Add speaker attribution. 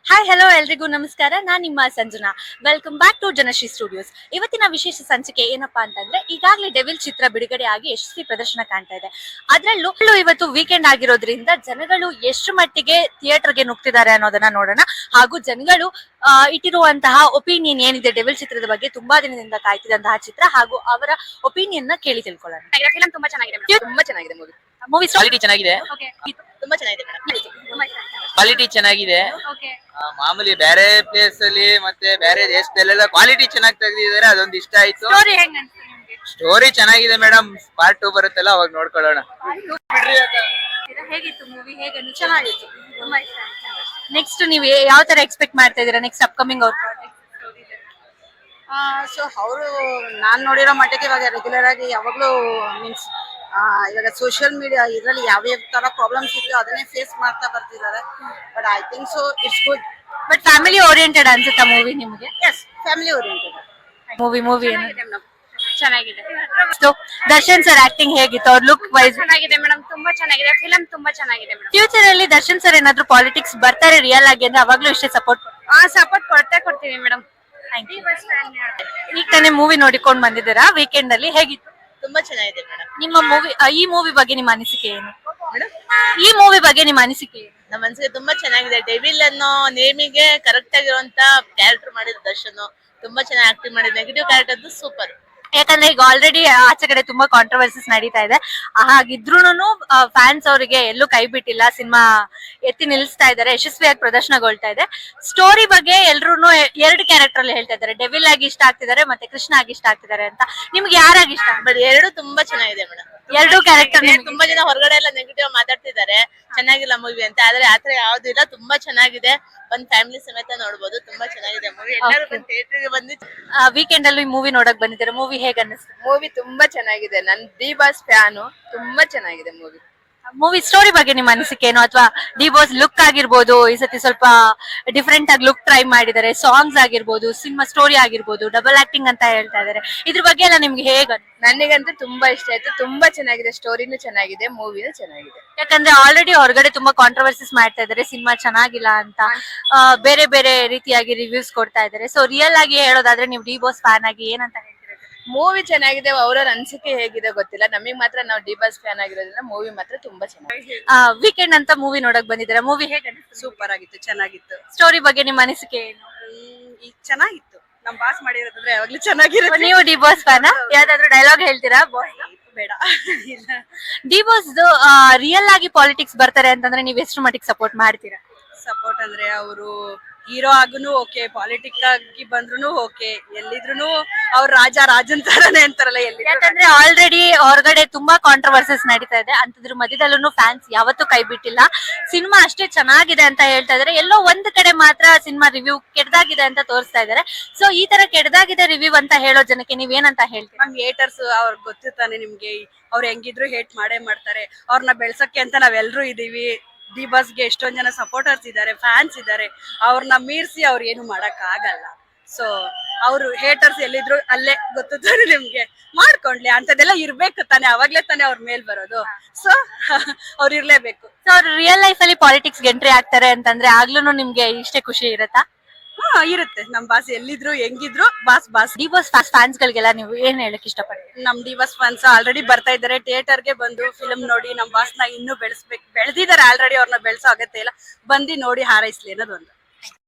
Speaker 1: Hi hello ಎಲ್ರಿಗೂ ನಮಸ್ಕಾರ. ನಾನ್ ನಿಮ್ಮ Sanjana. Welcome back to Janashree studios. ಇವತ್ತಿನ ವಿಶೇಷ ಸಂಚಿಕೆ ಏನಪ್ಪಾ ಅಂತಂದ್ರೆ, ಈಗಾಗಲೇ ಡೆವಿಲ್ ಚಿತ್ರ ಬಿಡುಗಡೆ ಆಗಿ ಯಶಸ್ವಿ ಪ್ರದರ್ಶನ ಕಾಣ್ತಾ ಇದೆ. ಅದ್ರಲ್ಲೂ ಇವತ್ತು ವೀಕೆಂಡ್ ಆಗಿರೋದ್ರಿಂದ ಜನಗಳು ಎಷ್ಟು ಮಟ್ಟಿಗೆ ಥಿಯೇಟರ್ಗೆ ನುಗ್ತಿದ್ದಾರೆ ಅನ್ನೋದನ್ನ ನೋಡೋಣ. ಹಾಗೂ ಜನಗಳು ಇಟ್ಟಿರುವಂತಹ ಒಪಿನಿಯನ್ ಏನಿದೆ ಡೆವಿಲ್ ಚಿತ್ರದ ಬಗ್ಗೆ, ತುಂಬಾ ದಿನದಿಂದ ಕಾಯ್ತಿದಂತಹ ಚಿತ್ರ, ಹಾಗೂ ಅವರ ಒಪಿನಿಯನ್ ನ ಕೇಳಿ ತಿಳ್ಕೊಳ್ಳೋಣ.
Speaker 2: ಫಿಲಂ ತುಂಬಾ ಚೆನ್ನಾಗಿದೆ ಮೇಡಮ್. ತುಂಬಾ ಚೆನ್ನಾಗಿದೆ ಮೂವಿ.
Speaker 1: ಮೂವಿ
Speaker 3: ಕ್ವಾಲಿಟಿ ಚೆನ್ನಾಗಿದೆ.
Speaker 2: ತುಂಬಾ ಚೆನ್ನಾಗಿದೆ
Speaker 3: ಕ್ವಾಲಿಟಿ ಚೆನ್ನಾಗಿದೆ. ಮಾಮೂಲಿ ಬೇರೆ ಪ್ಲೇಸ್ ಅಲ್ಲಿ ಮತ್ತೆ ಬೇರೆ ದೇಶದಲ್ಲೆಲ್ಲ ಕ್ವಾಲಿಟಿ ಚೆನ್ನಾಗಿ ತೆಗೆದಿದ್ದಾರೆ, ಅದೊಂದು ಇಷ್ಟ ಆಯ್ತು.
Speaker 1: ಸ್ಟೋರಿ ಹೆಂಗ್ ಅನ್ಸ್ತು ನಿಮ್ಗೆ?
Speaker 3: ಸ್ಟೋರಿ ಚೆನ್ನಾಗಿದೆ ಮೇಡಮ್. ಪಾರ್ಟ್ 2 ಬರುತ್ತಲ್ಲ ಅವಾಗ ನೋಡ್ಕೊಳ್ಳೋಣ.
Speaker 1: ಹೇಗಿತ್ತು ಮೂವಿ? ಹೇಗೆ ಚೆನ್ನಾಗಿತ್ತು, ತುಂಬಾ ಇಷ್ಟ ಆಯ್ತು. ನೆಕ್ಸ್ಟ್ ನೀವು ಯಾವ ತರ ಎಕ್ಸ್ಪೆಕ್ಟ್ ಮಾಡ್ತಾ ಇದೀರಾ ನೆಕ್ಸ್ಟ್ ಅಪ್ಕಮಿಂಗ್ ಅವ್ರ ಪ್ರಾಜೆಕ್ಟ್?
Speaker 4: ಸೊ ಅವರು ನಾನ್ ನೋಡಿರೋ ಮಟ್ಟಿಗೆ ಇವಾಗ ರೆಗ್ಯುಲರ್ ಆಗಿ ಯಾವಾಗ್ಲೂ ಮೀನ್ಸ್ ಇವಾಗ ಸೋಷಿಯಲ್ ಮೀಡಿಯಾ ಇದರಲ್ಲಿ ಯಾವ್ಯಾವ ತರ ಪ್ರಾಬ್ಲಮ್ಸ್ ಇತ್ತು ಅದನ್ನೇ ಫೇಸ್ ಮಾಡ್ತಾ ಬರ್ತಿದ್ದಾರೆ. But I think so it's good.
Speaker 1: But family oriented ಅನ್ಸುತ್ತಾ ಮೂವಿ ನಿಮಗೆ?
Speaker 4: ಎಸ್, ಫ್ಯಾಮಿಲಿ ಓರಿಯೆಂಟೆಡ್
Speaker 1: ಮೂವಿ
Speaker 2: ಚೆನ್ನಾಗಿದೆ.
Speaker 1: ದರ್ಶನ್ ಸರ್ ಆಕ್ಟಿಂಗ್ ಹೇಗಿತ್ತು? ಅವ್ರ ಲುಕ್ ವೈಸ್
Speaker 2: ಚೆನ್ನಾಗಿದೆ ಮೇಡಮ್. ತುಂಬಾ ಚೆನ್ನಾಗಿದೆ ಫಿಲಂ. ತುಂಬಾ ಚೆನ್ನಾಗಿದೆ ಮೇಡಮ್.
Speaker 1: ಫ್ಯೂಚರ್ ಅಲ್ಲಿ ದರ್ಶನ್ ಸರ್ ಏನಾದ್ರು ಪಾಲಿಟಿಕ್ಸ್ ಬರ್ತಾರೆ ರಿಯಲ್ ಆಗಿ ಅಂದ್ರೆ ಅವಾಗ್ಲೂ ಇಷ್ಟೇ ಸಪೋರ್ಟ್?
Speaker 2: ಸಪೋರ್ಟ್ ಕೊಡ್ತೀವಿ ಮೇಡಮ್.
Speaker 1: ಈಗ ತಾನೇ ಮೂವಿ ನೋಡಿಕೊಂಡ್ ಬಂದಿದ್ದೀರಾ ವೀಕೆಂಡ್ ಅಲ್ಲಿ, ಹೇಗಿತ್ತು?
Speaker 2: ತುಂಬಾ ಚೆನ್ನಾಗಿದೆ ಮೇಡಮ್.
Speaker 1: ನಿಮ್ಮ ಮೂವಿ ಈ ಮೂವಿ ಬಗ್ಗೆ ನಿಮ್ಮ ಅನಿಸಿಕೆ ಏನು? ಈ ಮೂವಿ ಬಗ್ಗೆ ನಿಮ್ಮ ಅನಿಸಿಕೆ ಏನು?
Speaker 2: ನಮ್ಮ ಮನಸ್ಸಿಗೆ ತುಂಬಾ ಚೆನ್ನಾಗಿದೆ. ಡೆವಿಲ್ ಅನ್ನೋ ನೇಮಿಗೆ ಕರೆಕ್ಟ್ ಆಗಿರುವಂತ ಕ್ಯಾರೆಕ್ಟರ್ ಮಾಡಿದ ದರ್ಶನ್ ತುಂಬಾ ಚೆನ್ನಾಗಿ ಆಕ್ಟಿಂಗ್ ಮಾಡಿದ. Negative character super.
Speaker 1: ಯಾಕಂದ್ರೆ ಈಗ ಆಲ್ರೆಡಿ ಆಚೆ ಕಡೆ ತುಂಬಾ ಕಾಂಟ್ರವರ್ಸಿಸ್ ನಡೀತಾ ಇದೆ. ಹಾಗಿದ್ರೂನು ಫ್ಯಾನ್ಸ್ ಅವರಿಗೆ ಎಲ್ಲೂ ಕೈ ಬಿಟ್ಟಿಲ್ಲ, ಸಿನಿಮಾ ಎತ್ತಿ ನಿಲ್ಲಿಸ್ತಾ ಇದ್ದಾರೆ, ಯಶಸ್ವಿಯಾಗಿ ಪ್ರದರ್ಶನಗೊಳ್ತಾ ಇದೆ. ಸ್ಟೋರಿ ಬಗ್ಗೆ ಎಲ್ರು ಎರಡು ಕ್ಯಾರೆಕ್ಟರ್ ಅಲ್ಲಿ ಹೇಳ್ತಾ ಇದ್ದಾರೆ, ಡೆವಿಲ್ ಆಗಿ ಇಷ್ಟ ಆಗ್ತಿದ್ದಾರೆ ಮತ್ತೆ ಕೃಷ್ಣ ಆಗಿ ಇಷ್ಟ ಆಗ್ತಿದ್ದಾರೆ ಅಂತ. ನಿಮ್ಗೆ ಯಾರಾಗಿ ಇಷ್ಟ?
Speaker 2: ಬಟ್ ಎರಡು ತುಂಬಾ ಚೆನ್ನಾಗಿದೆ ಮೇಡಮ್.
Speaker 1: ಎರಡು ಕ್ಯಾರೆಕ್ಟರ್.
Speaker 2: ತುಂಬಾ ಜನ ಹೊರಗಡೆ ಎಲ್ಲ ನೆಗೆಟಿವ್ ಮಾತಾಡ್ತಿದ್ದಾರೆ, ಚೆನ್ನಾಗಿಲ್ಲ ಮೂವಿ ಅಂತ. ಆದ್ರೆ ಆತರ ಯಾವ್ದು ಇಲ್ಲ, ತುಂಬಾ ಚೆನ್ನಾಗಿದೆ. ಒಂದ್ ಫ್ಯಾಮಿಲಿ ಸಮೇತ ನೋಡ್ಬೋದು. ತುಂಬಾ ಚೆನ್ನಾಗಿದೆ ಮೂವಿ. ಎಲ್ಲರೂ ಬಂದು ಥಿಯೇಟರ್ ಗೆ ಬಂದು
Speaker 1: ವೀಕೆಂಡ್ ಅಲ್ಲಿ ಮೂವಿ ನೋಡಕ್ ಬಂದಿದ್ದಾರೆ. ಮೂವಿ ಹೇಗ ಅನ್ನಿಸ್ತು?
Speaker 2: ಮೂವಿ ತುಂಬಾ ಚೆನ್ನಾಗಿದೆ. ನನ್ ಡಿ ಬಾಸ್ ಫ್ಯಾನು. ತುಂಬಾ ಚೆನ್ನಾಗಿದೆ ಮೂವಿ.
Speaker 1: ಮೂವಿ ಸ್ಟೋರಿ ಬಗ್ಗೆ ನಿಮ್ಮ ಅನಿಸಿಕೆ ಏನು? ಅಥವಾ ಡಿ ಬಾಸ್ ಲುಕ್ ಆಗಿರ್ಬೋದು, ಈ ಸತಿ ಸ್ವಲ್ಪ ಡಿಫ್ರೆಂಟ್ ಆಗಿ ಲುಕ್ ಟ್ರೈ ಮಾಡಿದ್ದಾರೆ, ಸಾಂಗ್ಸ್ ಆಗಿರ್ಬೋದು, ಸಿನಿಮಾ ಸ್ಟೋರಿ ಆಗಿರ್ಬೋದು, ಡಬಲ್ ಆಕ್ಟಿಂಗ್ ಅಂತ ಹೇಳ್ತಾ ಇದಾರೆ. ಇದ್ರ ಬಗ್ಗೆ ಎಲ್ಲ ನಿಮ್ಗೆ ಹೇಗ?
Speaker 2: ನನಗಂತೂ ತುಂಬಾ ಇಷ್ಟ ಆಯ್ತು. ತುಂಬಾ ಚೆನ್ನಾಗಿದೆ. ಸ್ಟೋರಿನೂ ಚೆನ್ನಾಗಿದೆ, ಮೂವಿನೂ ಚೆನ್ನಾಗಿದೆ.
Speaker 1: ಯಾಕಂದ್ರೆ ಆಲ್ರೆಡಿ ಹೊರಗಡೆ ತುಂಬಾ ಕಾಂಟ್ರವರ್ಸಿಸ್ ಮಾಡ್ತಾ ಇದಾರೆ, ಸಿನಿಮಾ ಚೆನ್ನಾಗಿಲ್ಲ ಅಂತ, ಬೇರೆ ಬೇರೆ ರೀತಿಯಾಗಿ ರಿವ್ಯೂಸ್ ಕೊಡ್ತಾ ಇದಾರೆ. ಸೊ ರಿಯಲ್ ಆಗಿ ಹೇಳೋದಾದ್ರೆ ನೀವು ಡಿ ಬಾಸ್ ಫ್ಯಾನ್ ಆಗಿ ಏನಂತ ಹೇಳ್ತೀರಾ?
Speaker 2: ಮೂವಿ ಚೆನ್ನಾಗಿದೆ. ಅವ್ರ ಅನಿಸಿಕೆ ಹೇಗಿದೆ ಗೊತ್ತಿಲ್ಲ, ನಮಗ್ ಮಾತ್ರ ನಾವು ಡಿ ಬಾಸ್ ಫ್ಯಾನ್ ಆಗಿರೋದ್ರಿಂದ ಮೂವಿ ಮಾತ್ರ ತುಂಬಾ ಚೆನ್ನಾಗಿದೆ.
Speaker 1: ವೀಕೆಂಡ್ ಅಂತ ಮೂವಿ ನೋಡಕ್ ಬಂದಿದ್ದೀರಾ. ಮೂವಿ ಹೇಗೆ?
Speaker 4: ಸೂಪರ್ ಆಗಿತ್ತು, ಚೆನ್ನಾಗಿತ್ತು.
Speaker 1: ಸ್ಟೋರಿ ಬಗ್ಗೆ ನಿಮ್ಮ ಅನಿಸಿಕೆ ಏನು?
Speaker 4: ಈಗ ಚೆನ್ನಾಗಿತ್ತು. ನಮ್ ಬಾಸ್ ಮಾಡಿರೋದಂದ್ರೆ ಯಾವಾಗ್ಲೂ ಚೆನ್ನಾಗಿರುತ್ತೆ.
Speaker 1: ನೀವು ಡಿ ಬಾಸ್ ಫ್ಯಾನ್? ಯಾವ್ದಾದ್ರು ಡೈಲಾಗ್ ಹೇಳ್ತೀರಾ ಬಾಸ್?
Speaker 4: ಬೇಡ.
Speaker 1: ಡಿ ಬಾಸ್ ರಿಯಲ್ ಆಗಿ ಪಾಲಿಟಿಕ್ಸ್ ಬರ್ತಾರೆ ಅಂತಂದ್ರೆ ನೀವ್ ಎಷ್ಟು ಮಟ್ಟಿಗೆ ಸಪೋರ್ಟ್ ಮಾಡ್ತೀರಾ?
Speaker 4: ಸಪೋರ್ಟ್ ಅಂದ್ರೆ ಅವರು ಹೀರೋ ಆಗುನು ಓಕೆ, ಪಾಲಿಟಿಕ್ ಆಗಿ ಬಂದ್ರು ಓಕೆ, ಎಲ್ಲಿದ್ರು ಅವ್ರ ರಾಜನ್ ತರನೇ ಅಂತಾರಲ್ಲ ಎಲ್ಲಿ.
Speaker 1: ಯಾಕಂದ್ರೆ ಆಲ್ರೆಡಿ ಹೊರಗಡೆ ತುಂಬಾ ಕಾಂಟ್ರವರ್ಸಿಸ್ ನಡೀತಾ ಇದೆ, ಅಂತದ್ರ ಮಧ್ಯದಲ್ಲೂ ಫ್ಯಾನ್ಸ್ ಯಾವತ್ತೂ ಕೈ ಬಿಟ್ಟಿಲ್ಲ. ಸಿನಿಮಾ ಅಷ್ಟೇ ಚೆನ್ನಾಗಿದೆ ಅಂತ ಹೇಳ್ತಾ ಇದಾರೆ. ಎಲ್ಲೋ ಒಂದ್ ಕಡೆ ಮಾತ್ರ ಸಿನಿಮಾ ರಿವ್ಯೂ ಕೆಟ್ಟದಾಗಿದೆ ಅಂತ ತೋರಿಸ್ತಾ ಇದಾರೆ. ಸೊ ಈ ತರ ಕೆಟ್ಟದಾಗಿದೆ ರಿವ್ಯೂ ಅಂತ ಹೇಳೋ ಜನಕ್ಕೆ ನೀವೇನಂತ ಹೇಳ್ತೀರಾ?
Speaker 4: ನಮ್ ಹೇಟರ್ಸ್ ಅವ್ರಿಗೆ ಗೊತ್ತಿರ್ತಾನೆ ನಿಮ್ಗೆ, ಅವ್ರು ಹೆಂಗಿದ್ರು ಹೇಟ್ ಮಾಡೇ ಮಾಡ್ತಾರೆ. ಅವ್ರನ್ನ ಬೆಳ್ಸಕ್ಕೆ ಅಂತ ನಾವೆಲ್ಲರೂ ಇದೀವಿ. ಡಿ ಬಾಸ್ಗೆ ಎಷ್ಟೊಂದ್ ಜನ ಸಪೋರ್ಟರ್ಸ್ ಇದ್ದಾರೆ, ಫ್ಯಾನ್ಸ್ ಇದ್ದಾರೆ. ಅವ್ರನ್ನ ಮೀರ್ಸಿ ಅವ್ರು ಏನು ಮಾಡಕ್ ಆಗಲ್ಲ. ಸೊ ಅವ್ರು ಹೇಟರ್ಸ್ ಎಲ್ಲಿದ್ರು ಅಲ್ಲೇ ಗೊತ್ತಾನೆ ನಿಮ್ಗೆ, ಮಾಡ್ಕೊಂಡ್ಲಿ ಅಂತದೆಲ್ಲ ಇರ್ಬೇಕು ತಾನೆ, ಅವಾಗ್ಲೇ ತಾನೆ ಅವ್ರ ಮೇಲ್ ಬರೋದು. ಸೊ ಅವ್ರು ಇರ್ಲೇಬೇಕು.
Speaker 1: ಸೊ ಅವ್ರು ರಿಯಲ್ ಲೈಫ್ ಅಲ್ಲಿ ಪಾಲಿಟಿಕ್ಸ್ ಎಂಟ್ರಿ ಆಗ್ತಾರೆ ಅಂತಂದ್ರೆ ಆಗ್ಲೂ ನಿಮ್ಗೆ ಇಷ್ಟೇ ಖುಷಿ ಇರತ್ತಾ?
Speaker 4: ಇರುತ್ತೆ. ನಮ್ ಬಾಸ್ ಎಲ್ಲಿದ್ರು ಹೆಂಗಿದ್ರು ಬಾಸ್.
Speaker 1: ಡಿ ಬಾಸ್ ಫ್ಯಾನ್ಸ್ ಗಳಿಗೆಲ್ಲ ನೀವು ಏನ್ ಹೇಳಕ್ ಇಷ್ಟಪಡ್ತೀರಿ?
Speaker 4: ನಮ್ ಡಿ ಬಾಸ್ ಫ್ಯಾನ್ಸ್ ಆಲ್ರೆಡಿ ಬರ್ತಾ ಇದಾರೆ ಥಿಯೇಟರ್ ಗೆ ಬಂದು ಫಿಲ್ಮ್ ನೋಡಿ ನಮ್ ಬಾಸ್ ನ ಇನ್ನೂ ಬೆಳೆಸ್ಬೇಕು. ಬೆಳೆದಿದ್ದಾರೆ ಆಲ್ರೆಡಿ, ಅವ್ರನ್ನ ಬೆಳೆಸೋ ಅಗತ್ಯ ಇಲ್ಲ. ಬಂದಿ ನೋಡಿ ಹಾರೈಸ್ಲಿ ಅನ್ನೋದೊಂದು.